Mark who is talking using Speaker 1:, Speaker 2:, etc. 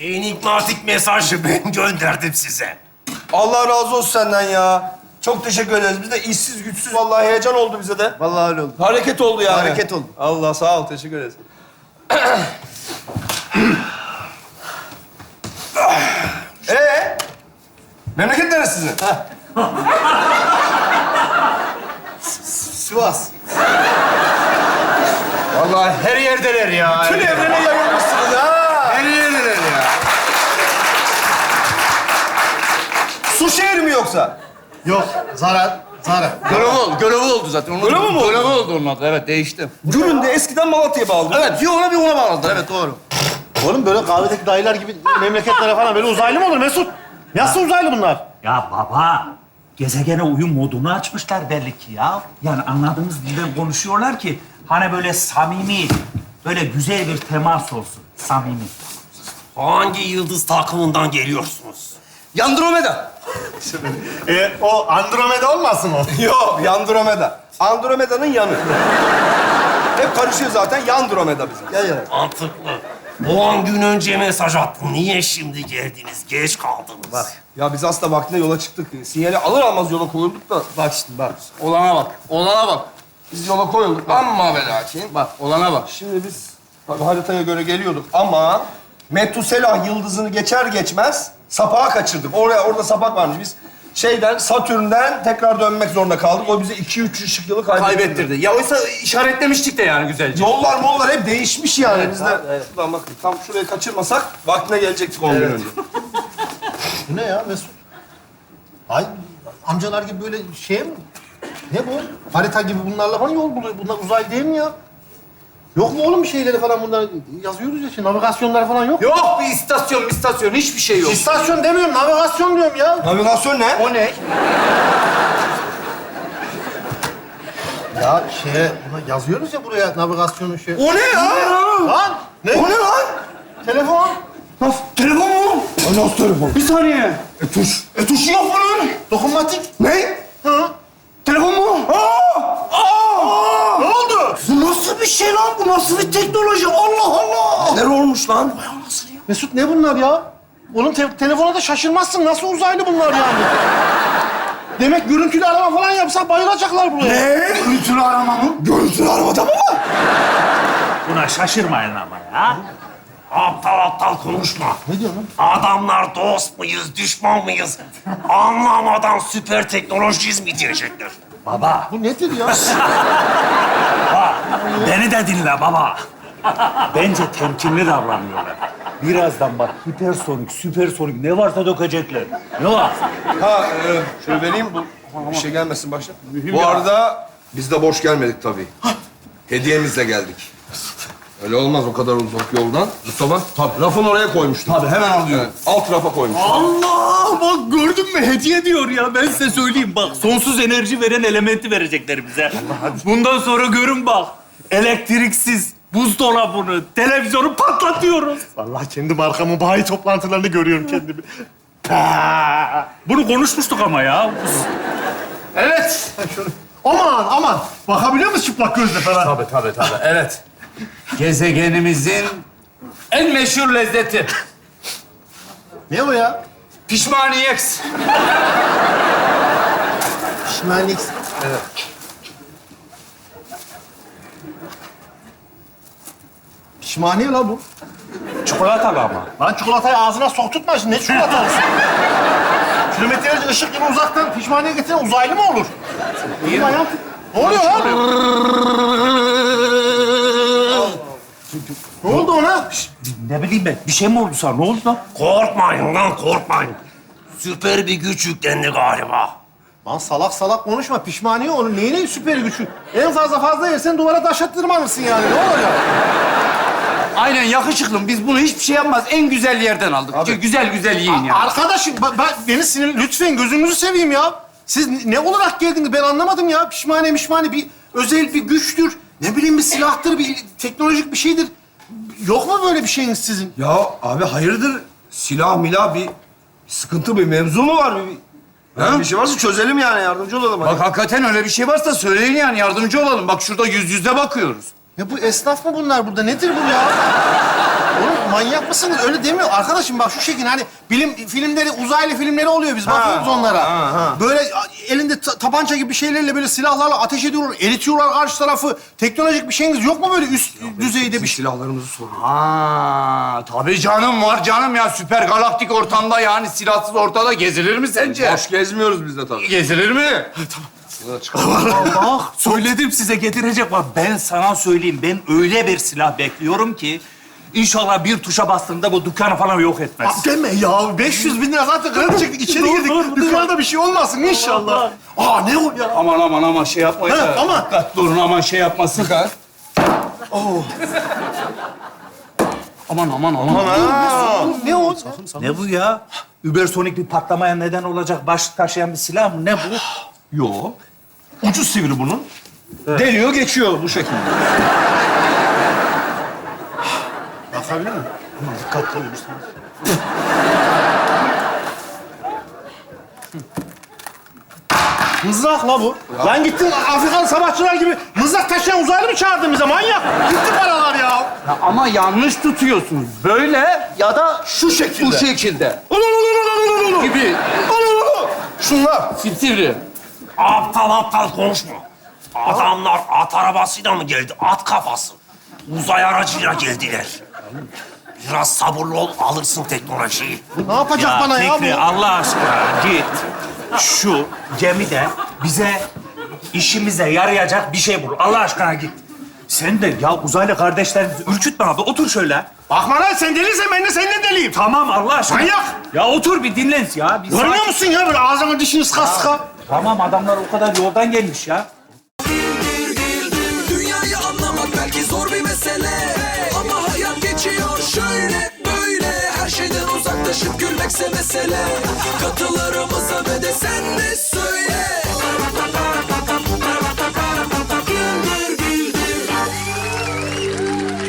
Speaker 1: Enigmatik mesajı ben gönderdim size.
Speaker 2: Allah razı olsun senden ya. Çok teşekkür ederiz. Biz de işsiz güçsüz vallahi heyecan oldu bize de.
Speaker 3: Vallahi öyle oldu.
Speaker 2: Hareket oldu yani.
Speaker 3: Hareket oldu.
Speaker 2: Allah sağ ol, teşekkür ederiz. Memleket neresi sizin?
Speaker 3: Sivas.
Speaker 4: Vallahi her yerdeler ya.
Speaker 2: Tüm evrene yayılmışsınız ha.
Speaker 4: Her yerdeler ya.
Speaker 2: Su şehri mi yoksa?
Speaker 3: Yok, zarar.
Speaker 4: Görevi oldu zaten.
Speaker 2: Görevi mi oldu?
Speaker 4: Görevi oldu onun adı. Evet, değişti.
Speaker 2: Gül'ün de eskiden Malatya'ya bağlı.
Speaker 4: Evet, bir ona bir ona bağladı. Evet, doğru.
Speaker 3: Oğlum böyle kahvedeki dayılar gibi memleketlere falan böyle uzaylı mı olur Mesut? Nasıl uzaylı bunlar?
Speaker 5: Ya baba, gezegene uyum modunu açmışlar belli ki ya. Yani anladığımız dilden konuşuyorlar ki hani böyle samimi, böyle güzel bir temas olsun. Samimi.
Speaker 1: Hangi yıldız takımından geliyorsunuz?
Speaker 4: Andromeda.
Speaker 3: O Andromeda olmasın o?
Speaker 2: Yok, Andromeda. Andromeda'nın yanı. Hep karışıyor zaten. Andromeda bizim.
Speaker 3: Ya.
Speaker 1: Mantıklı. 10 gün önce mesaj attım. Niye şimdi geldiniz? Geç kaldınız.
Speaker 3: Bak.
Speaker 2: Ya biz aslında vaktinde yola çıktık. Sinyali alır almaz yola koyulduk da.
Speaker 3: Bak işte bak.
Speaker 4: Olana bak. Olana bak.
Speaker 2: Biz yola koyulduk. Amma ve lakin.
Speaker 4: Bak, olana bak.
Speaker 2: Şimdi biz tabii haritaya göre geliyorduk ama Metuselah yıldızını geçer geçmez sapağı kaçırdık. Orada sapak varmış. Biz Satürn'den tekrar dönmek zorunda kaldık. O bize 2-3 ışık yılı
Speaker 4: Kaybettirdi. Ya oysa işaretlemiştik de yani güzelce.
Speaker 2: Mollar hep değişmiş yani. Biz de şuradan bakın tam şurayı kaçırmasak vaktine gelecektik 10 gün önce.
Speaker 3: Bu ne ya Mesut? Ay amcalar gibi böyle şey mi? Ne bu? Harita gibi bunlarla falan yol buluyor. Bunlar uzay değil mi ya? Yok mu oğlum bir şeyleri falan bunlar? Yazıyoruz ya şimdi navigasyonlar falan yok.
Speaker 4: Yok bir istasyon hiçbir şey yok.
Speaker 3: İstasyon demiyorum, navigasyon diyorum ya.
Speaker 2: Navigasyon ne?
Speaker 4: O ne?
Speaker 3: Ya buna yazıyoruz ya buraya navigasyonu şey.
Speaker 2: O ne ya?
Speaker 3: Lan! Ne?
Speaker 2: O ne lan?
Speaker 3: Telefon.
Speaker 2: Telefon mu? Nasıl telefon?
Speaker 4: Bir saniye.
Speaker 2: Tuşu yok bunun.
Speaker 3: Dokunmatik.
Speaker 2: Ne?
Speaker 3: Hı.
Speaker 2: Telefon mu?
Speaker 3: Ne oldu?
Speaker 2: Bu nasıl bir şey lan? Bu nasıl bir teknoloji? Allah Allah! Neler olmuş lan?
Speaker 3: Mesut ne bunlar ya? Oğlum telefona da şaşırmazsın. Nasıl uzaylı bunlar yani? Demek görüntülü arama falan yapsa bayılacaklar buraya.
Speaker 2: Ne? Görüntülü arama mı? Görüntülü aramada mı var?
Speaker 5: Buna şaşırmayın ama ya.
Speaker 1: Aptal konuşma.
Speaker 3: Ne diyorsun lan?
Speaker 1: Adamlar dost muyuz, düşman mıyız? Anlamadan süper teknolojiyiz mi diyecekler.
Speaker 5: Baba,
Speaker 3: Bu nedir ya?
Speaker 5: beni de dinle baba. Bence temkinli davranıyorlar. Birazdan bak hipersonik, süpersonik ne varsa dökecekler. Ne var?
Speaker 2: Şöyle vereyim bu. Bir şey gelmesin başına. Bu arada biz de boş gelmedik tabii. Hediyemizle geldik. Öyle olmaz o kadar uzak yoldan. Mustafa, tabii. Rafın oraya koymuştum. Tabii, hemen alıyorum. Alt rafa koymuştum.
Speaker 5: Allah! Bak gördün mü? Hediye diyor ya. Ben size söyleyeyim bak. Sonsuz enerji veren elementi verecekler bize. Bundan sonra görün bak. Elektriksiz buzdolabını, televizyonu patlatıyoruz.
Speaker 3: Vallahi kendi markamın bayi toplantılarını görüyorum kendimi.
Speaker 5: Bunu konuşmuştuk ama ya.
Speaker 4: Evet.
Speaker 3: Aman. Bakabiliyor musun çıplak gözle falan?
Speaker 4: Tabii. Evet. Gezegenimizin en meşhur lezzeti.
Speaker 3: Ne o ya?
Speaker 4: Pişmaniyeks.
Speaker 3: Pişmanlik.
Speaker 4: Evet.
Speaker 3: Pişmaniye la bu.
Speaker 5: Çikolatalı ama.
Speaker 3: Lan çikolatayı ağzına sokturtma şimdi. Ne çikolatası? Kilometrelerce ışık yılı uzaktan pişmaniye getiren uzaylı mı olur? İyi mi hayatım? Ne oluyor lan? Ne oldu ona?
Speaker 5: Ne bileyim ben. Bir şey mi oldu sana? Ne oldu lan?
Speaker 1: Korkmayın lan, korkmayın. Süper bir güç yüklendi galiba.
Speaker 3: Lan salak konuşma. Pişmaniye onun neyine süper gücü? En fazla yersen duvara taş attırmamışsın yani. Ne olacak?
Speaker 4: Aynen yakışıklım. Biz bunu hiçbir şey yapmaz. En güzel yerden aldık. Güzel yiyin yani.
Speaker 3: Arkadaşım beni sinir... Lütfen gözünüzü seveyim ya. Siz ne olarak geldiniz ben anlamadım ya. Pişmaniye bir özel bir güçtür. Ne bileyim bir silahtır, bir teknolojik bir şeydir. Yok mu böyle bir şeyiniz sizin?
Speaker 2: Ya abi hayırdır? Silah milah bir sıkıntı, bir mevzu mu var? Bir şey varsa çözelim yani, yardımcı olalım.
Speaker 4: Bak hakikaten öyle bir şey varsa söyleyin yani yardımcı olalım. Bak şurada yüz yüze bakıyoruz.
Speaker 3: Ya bu esnaf mı bunlar burada? Nedir bu ya? Oğlum manyak mısınız? Öyle demiyor. Arkadaşım bak şu şekilde hani bilim filmleri, uzaylı filmleri oluyor. Biz bakıyoruz onlara. Böyle elinde tabanca gibi şeylerle böyle silahlarla ateş ediyorlar, eritiyorlar karşı tarafı. Teknolojik bir şeyiniz yok mu böyle üst düzeyde bir şey?
Speaker 2: Silahlarımızı soruyor.
Speaker 4: Ha, tabii canım var canım ya. Süper galaktik ortamda yani silahsız ortada gezilir mi sence?
Speaker 2: Boş gezmiyoruz biz de tabii.
Speaker 4: Gezilir mi?
Speaker 5: Bak, söyledim size getirecek. Bak ben sana söyleyeyim. Ben öyle bir silah bekliyorum ki inşallah bir tuşa bastığında bu dükkanı falan yok etmez.
Speaker 3: Deme ya. 500 bin lira zaten kredi çektik. İçeri girdik. Dükkanda bir şey olmasın inşallah. Aa ne o ya?
Speaker 5: Aman şey yapmayın da.
Speaker 3: Aman.
Speaker 5: Dikkatli olun aman şey yapmasın. Aman.
Speaker 3: Ne o?
Speaker 5: Ne bu ya? Übersonik bir patlamaya neden olacak baş taşıyan bir silah mı? Ne bu?
Speaker 1: Yok. Ucu sivri bunun. Deliyor geçiyor bu şekilde.
Speaker 3: Bakabilir miyim? Dikkatli olun. Mızrak la bu. Lan gittin Afrikalı savaşçılar gibi mızrak taşıyan uzaylı mı çağırdın bize manyak? Gitti paralar ya.
Speaker 4: Ya ama yanlış tutuyorsunuz. Böyle ya da
Speaker 3: Şu şekilde.
Speaker 4: bu şekilde. Gibi.
Speaker 3: Şunlar.
Speaker 4: Sivri.
Speaker 1: Aptal konuşma. Adamlar at arabasıyla mı geldi? At kafası. Uzay aracıyla geldiler. Biraz sabırlı ol, alırsın teknolojiyi.
Speaker 3: Ne yapacak bana ya
Speaker 5: Fikri,
Speaker 3: bu?
Speaker 5: Allah aşkına git. Şu gemide bize işimize yarayacak bir şey bul. Allah aşkına git. Sen de ya uzaylı kardeşlerimizi ürkütme abi. Otur şöyle.
Speaker 3: Bakma lan sen deliysen ben de seninle deliyim.
Speaker 5: Tamam Allah aşkına.
Speaker 3: Manyak!
Speaker 5: Ya otur bir dinlen ya. Bir
Speaker 3: Görmüyor
Speaker 5: sakin-
Speaker 3: musun ya böyle ağzını dişini sıka sıka?
Speaker 5: Tamam adamlar o kadar yoldan gelmiş ya.
Speaker 6: Dünyayı anlamak belki zor bir mesele, ama hayat geçiyor şöyle böyle. Her şeyden uzaklaşıp gülmekse mesele. Katılarımıza ve